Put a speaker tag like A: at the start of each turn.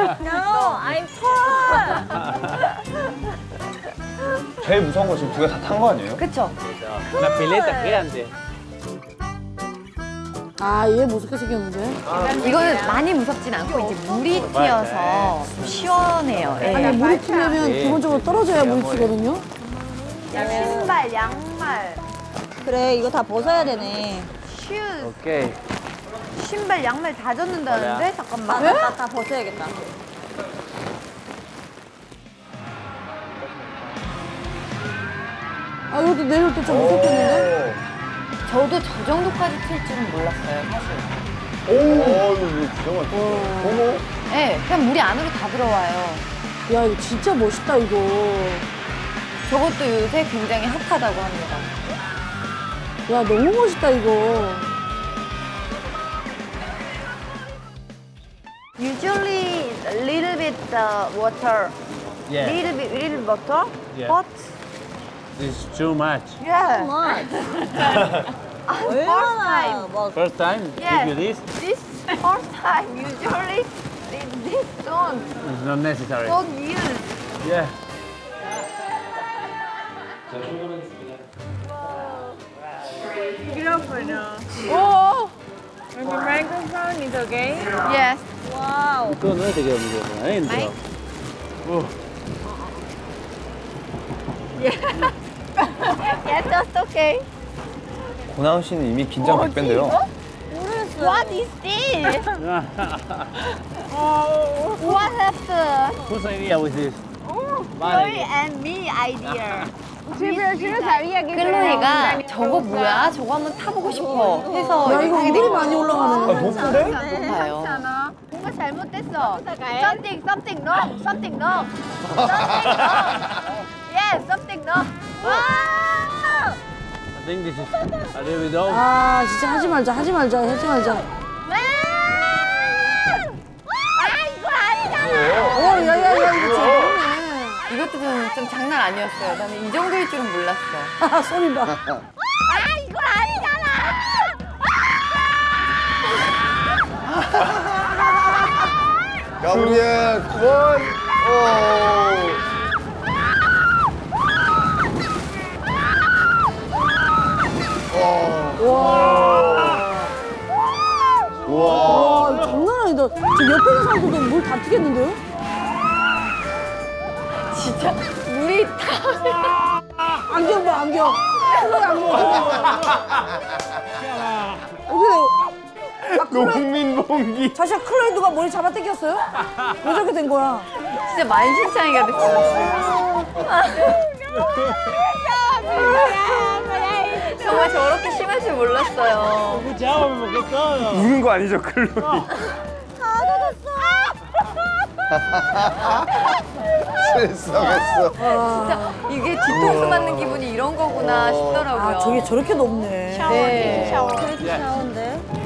A: No, I'm tall.
B: 제일 무서운 거 지금 두 개 다 탄 거 아니에요?
A: 그쵸?
C: Una pileta grande.
D: 아, 얘 무섭게 생겼는데?
A: 이거는 많이 무섭진 않고 이제 물이 튀어서 좀 시원해요. 예.
D: 아니, 물이 튀려면 기본적으로 떨어져야 물이 튀거든요?
A: 신발, 양말,
E: 그래, 이거 다 벗어야 되네.
A: 슈,
C: Ok.
A: 신발, 양말 다 젖는다는데? 잠깐만.
E: 다 벗어야겠다.
D: 아, 이것도 내려올 때 좀 무섭겠는데?
A: 저도 저 정도까지 튈 줄은 몰랐어요, 사실.
B: 오, 이거 진짜 맛있어.
A: 네, 그냥 물이 안으로 다 들어와요.
D: 야, 이거 진짜 멋있다, 이거.
A: 저것도 요새 굉장히 핫하다고 합니다.
D: 야, 너무 멋있다, 이거.
A: Usually a little bit water.
C: Yeah.
A: Little water.
C: Yeah.
A: But
C: It's too much.
A: yeah.
E: 얼마나 막
C: First time,
A: Yeah.
C: give you this.
A: This first time usually this
C: It's not necessary.
A: don't use.
C: Yeah.
A: Oh. And the microphone is okay. Yes.
E: 와우.
C: Esto no te queda el micrófono adentro.
A: Mike? Yes, just okay.
B: 고나은 씨는 이미 긴장 100배인데요.
A: What is this? What happened?
C: Whose idea was this?
A: Chloe and me idea. 클로이가 저거 뭐야? 저거 한번 타보고 싶어 해서
D: 야, 이거 은근히 많이 올라가네.
B: 높은데?
A: 높아요. 뭔가 잘못됐어. Something wrong. Something wrong. Something wrong. Yes, something wrong. 와!
C: I think this is a little bit old.
D: 아, 진짜 하지 말자, 하지 말자, 하지 말자.
A: 이거 아니잖아.
D: 야, 이거 재밌네.
A: 이것도 좀 장난 아니었어요. 나는 이 정도일 줄은 몰랐어.
D: 아, 소리 봐.
A: 이거 아니잖아.
B: 가브리엘, 원,
D: 와, 이거 장난 아니다. 저 옆에 있는 사람들도 물 다 튀겠는데요?
A: 진짜 물이 다.
D: 안경 봐, 안경. 클로이 안경 어떻게
B: 농민봉기.
D: 사실 클로이 누가 머리 잡아 당겼어요? 왜 저렇게 된 거야?
A: 진짜 만신창이가 됐어. 정말 저렇게 심할 줄 몰랐어요.
C: Escuchábamos que todo.
B: 우는 거 아니죠, 클로이? 실성했어.
A: 진짜 이게 뒤통수 맞는 기분이 이런 거구나 싶더라고요.
D: 아, 저게 저렇게 높네.
A: 네.
E: 샤워인데.